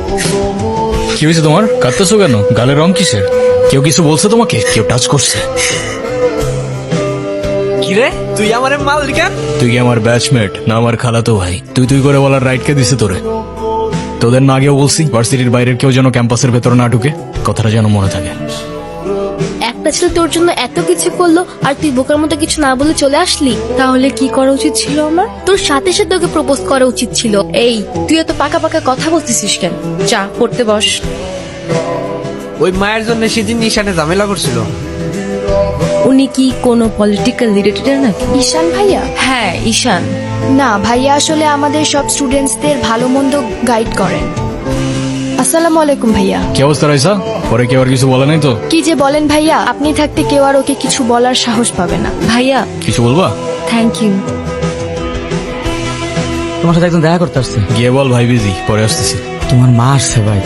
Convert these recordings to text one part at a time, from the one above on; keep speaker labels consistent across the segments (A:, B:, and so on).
A: কি হয়েছে তোমার? কাঁদতেছো কেন? গালের রং কিসের? কেউ কিছু বলছে তোমাকে? কেউ টাচ করছে?
B: কিরে তুই আমার মাল কেন?
A: তুই কি আমার ব্যাচমেট না আমার খালাতো ভাই? তুই তুই করে বলার রাইট কে দিছে তোরে? তোদের না আগেও বলছি ভার্সিটির বাইরের কেউ যেন ক্যাম্পাসের ভেতর না ঢুকে, কথাটা যেন মনে থাকে।
C: একটা ছেলে তোর জন্য এত কিছু করলো আর তুই বোকার মতো কিছু না বলে চলে আসলি।
D: তাহলে কি করা উচিত ছিল আমার?
C: তোর সাথে সাথে ওকে প্রপোজ করা উচিত ছিল।
D: এই তুই এত পাকা পাকা কথা বলতেছিস কেন? চা পড়তে বস।
B: ওই মায়ের জন্য সেদিন ঈশানে ঝামেলা করছিল।
D: উনি কি কোনো পলিটিক্যাল রিলেটেড নাকি?
C: ঈশান ভাইয়া?
D: হ্যাঁ ঈশান।
C: না ভাইয়া আসলে আমাদের সব স্টুডেন্টসদের ভালো মন্দ গাইড করেন। আসসালামু আলাইকুম ভাইয়া।
A: কি অবস্থা রাইসা? পরে কেউ আর কিছু বলে নাই তো?
C: কি যে বলেন ভাইয়া, আপনি থাকতে কেউ আর ওকে কিছু বলার সাহস পাবে না।
D: ভাইয়া
A: কিছু বলবা?
D: Thank you.
E: তোমার সাথে একজন দেখা করতে আসছে।
A: গিয়ে বল ভাই বিজি, পরে আসতেছি।
E: তোমার মা আসছে ভাই।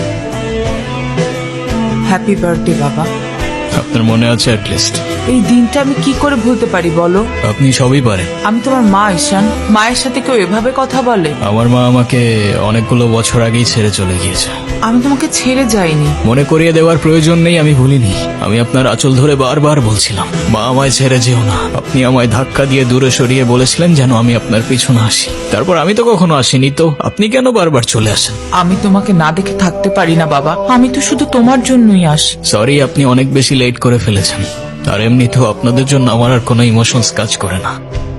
F: হ্যাপি বার্থডে বাবা।
A: আপনার মনে আছে অ্যাটলিস্ট?
F: এই দিনটা আমি কি করে ভুলতে পারি বলো?
A: আপনি সবই পারেন।
F: আমি তোমার মা ঈশান। মায়ের সাথে কেউ এভাবে কথা বলে?
A: আমার মা আমাকে অনেকগুলো বছর আগেই ছেড়ে চলে গিয়েছে।
F: আমি তোমাকে ছেড়ে যাইনি।
A: মনে করিয়ে দেওয়ার প্রয়োজন নেই, আমি ভুলিনি। আমি আপনার আঁচল ধরে বারবার বলছিলাম, মা আমায় ছেড়ে যেও না। আপনি আমায় ধাক্কা দিয়ে দূরে সরিয়ে বলেছিলেন যেন আমি আপনার পিছনে আসি। তারপর আমি তো কখনো আসিনি, তো আপনি কেন বারবার চলে আসেন?
F: আমি তোমাকে না দেখে থাকতে পারি না বাবা। আমি তো শুধু তোমার জন্যই আসি।
A: সরি, আপনি অনেক বেশি লেট করে ফেলেছেন। আর এমনিতেও আপনাদের জন্য আমার আর কোনো ইমোশনস কাজ করে না।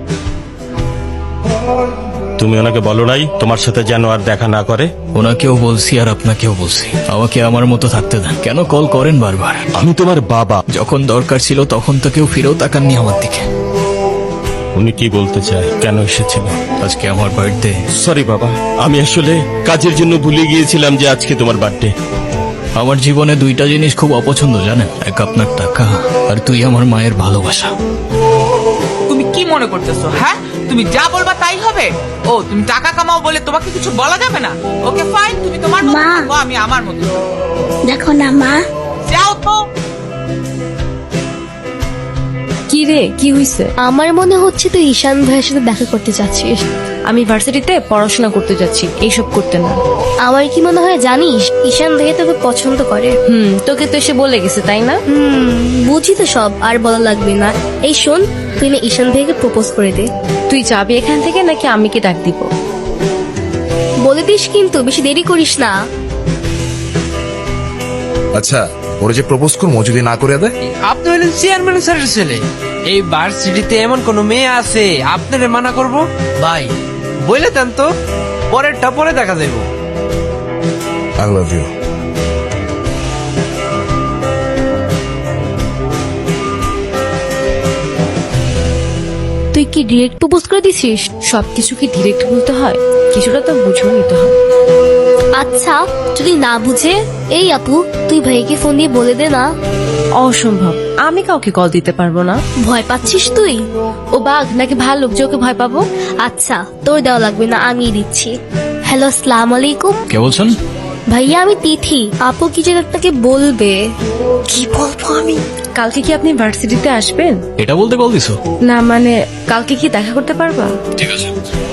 G: তুমি ওনাকে বলো নাই তোমার সাথে যেন আর দেখা না করে?
A: ওনাকেও বলছি আর আপনাকেও বলছি, আমাকে আমার মতো থাকতে দেন। কেন কল করেন বারবার?
G: আমি তোমার বাবা।
A: যখন দরকার ছিল তখন তো কেউ ফিরেও তাকাননি আমার দিকে।
G: উনি কি বলতে চায়? কেন এসেছিল?
A: আজকে আমার বার্থডে।
G: সরি বাবা, আমি আসলে কাজের জন্য ভুলে গিয়েছিলাম যে আজকে তোমার বার্থডে।
A: আমার জীবনে দুইটা জিনিস খুব অপছন্দ জানেন, এক আপনার টাকা আর তুই আমার মায়ের ভালোবাসা।
F: তুমি কি মনে করতেছো? হ্যাঁ, তুমি যা বলবা তাই হবে? ও তুমি টাকা কামাও বলে তোমাকে কিছু বলা যাবে না? ওকে ফাইন, তুমি তোমার মতো
H: মা।
F: থাকো, আমি আমার মতো থাকবো।
H: দেখো না মা,
F: যাও তো।
D: কি রে, কি হইছে?
C: আমার মনে হচ্ছে তুই ঈশান ভাইয়ের সাথে দেখা করতে চাচ্ছিস।
D: আমি ভার্সিটিতে পড়াশোনা করতে যাচ্ছি, এইসব করতে না।
C: আমার কি মনে হয় জানিস, ঈশান ভাইয়া তোকে পছন্দ করে।
D: তোকে তো এসে বলে গেছে তাই না?
C: বুঝি তো সব, আর বলা লাগবে না। এই শোন, তুই না ঈশান ভাইকে প্রপোজ করে দে।
D: তুই যাবি এখান থেকে নাকি আমি কি ডাক দিব?
C: বলে দিস কিন্তু, বেশি দেরি করিস না।
I: আচ্ছা, ওরা যে প্রপোজ করবো যদি না করে দেয়?
B: আপনি হলেন চেয়ারম্যান স্যারের ছেলে। এই ভার্সিটিতে এমন কোন মেয়ে আছে আপনারে মানা করব? ভাই বলে দেন তো, পরেরটা পরে দেখা যাইব।
I: I love you.
C: তুই কি ডিরেক্ট প্রপোজ করে দিছিস?
D: সবকিছু কি ডিরেক্ট বলতে হয়? কিছুটা তো বুঝেও নিতে হয়।
C: আচ্ছা, যদি না বুঝে, এই আপু তুই ভাইকে ফোন দিয়ে বলে দে না।
D: অসম্ভব, আমি কাউকে কল দিতে পারবো না।
C: ভয় পাচ্ছিস তুই?
D: ও বাঘ নাকি ভাল্লুক যে ওকে ভয় পাবো?
C: আচ্ছা, তোর দেওয়া লাগবে না, আমি দিচ্ছি। হ্যালো, আসসালামু আলাইকুম।
A: কে বলছেন?
C: ভাইয়া আমি তিথি। আপু কি যেন আপনাকে বলবে। কি বলবো আমি?
D: কালকে কি আপনি ভার্সিটিতে আসবেন?
A: এটা বলতে কল দিছো?
D: না মানে কালকে কি দেখা করতে পারবা?
A: ঠিক আছে।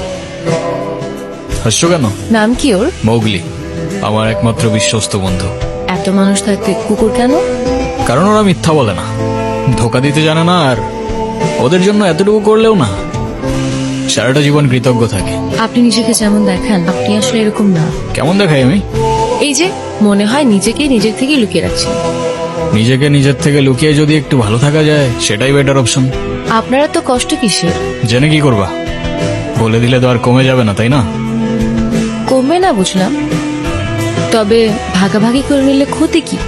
A: হাসছো কেন?
D: নাম কি ওর?
A: মৌগলি, আমার একমাত্র বিশ্বস্ত বন্ধু।
D: এত মানুষ থাকতে কুকুর কেন?
A: কারণ ওরা মিথ্যা বলে না, ধোকা দিতে জানে না, আর ওদের জন্য এতটুকু করলেও না সারাটা জীবন কৃতজ্ঞ থাকে।
D: আপনি নিজেকে যেমন দেখান আপনি আসলে এরকম না।
A: কেমন দেখাই আমি?
D: এই যে মনে হয় নিজেকে নিজের থেকে লুকিয়ে রাখছেন।
A: নিজেকে নিজের থেকে লুকিয়ে যদি একটু ভালো থাকা যায় সেটাই বেটার অপশন।
D: আপনারা তো কষ্ট কিসের?
A: জেনে কি করবা? বলে দিলে তো আর কমে যাবে না, তাই না?
D: কমবে না বুঝলাম, তবে ভাগাভাগি করে নিলে ক্ষতি কি?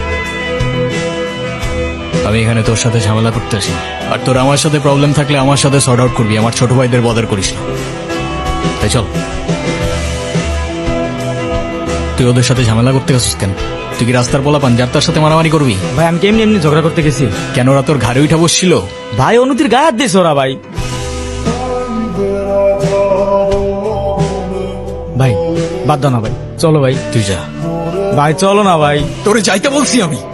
A: আমি এখানে তোর সাথে ঝামেলা করতে আসি, আর তোর আমার সাথে প্রবলেম থাকলে আমার সাথে সর্ট আউট করবি। আমার ছোট ভাইদের বদার করিস না। তাই চল। তুই ওদের সাথে ঝামেলা করতে গেছিস কেন? তুই কি রাস্তার পোলাপান যার তার সাথে মারামারি করবি?
E: ভাই আমি কেমনি এমনি ঝগড়া করতে গেছি।
A: কেন ওরা তোর ঘাড়ে উঠা বসছিল?
E: ভাই অনুতির গায়ে হাত দিয়েছে ওরা। ভাই ভাই বাদ দাও না ভাই, চলো ভাই।
A: তুই যা
E: ভাই চলো না ভাই।
A: তোরে যাইতে বলছি আমি।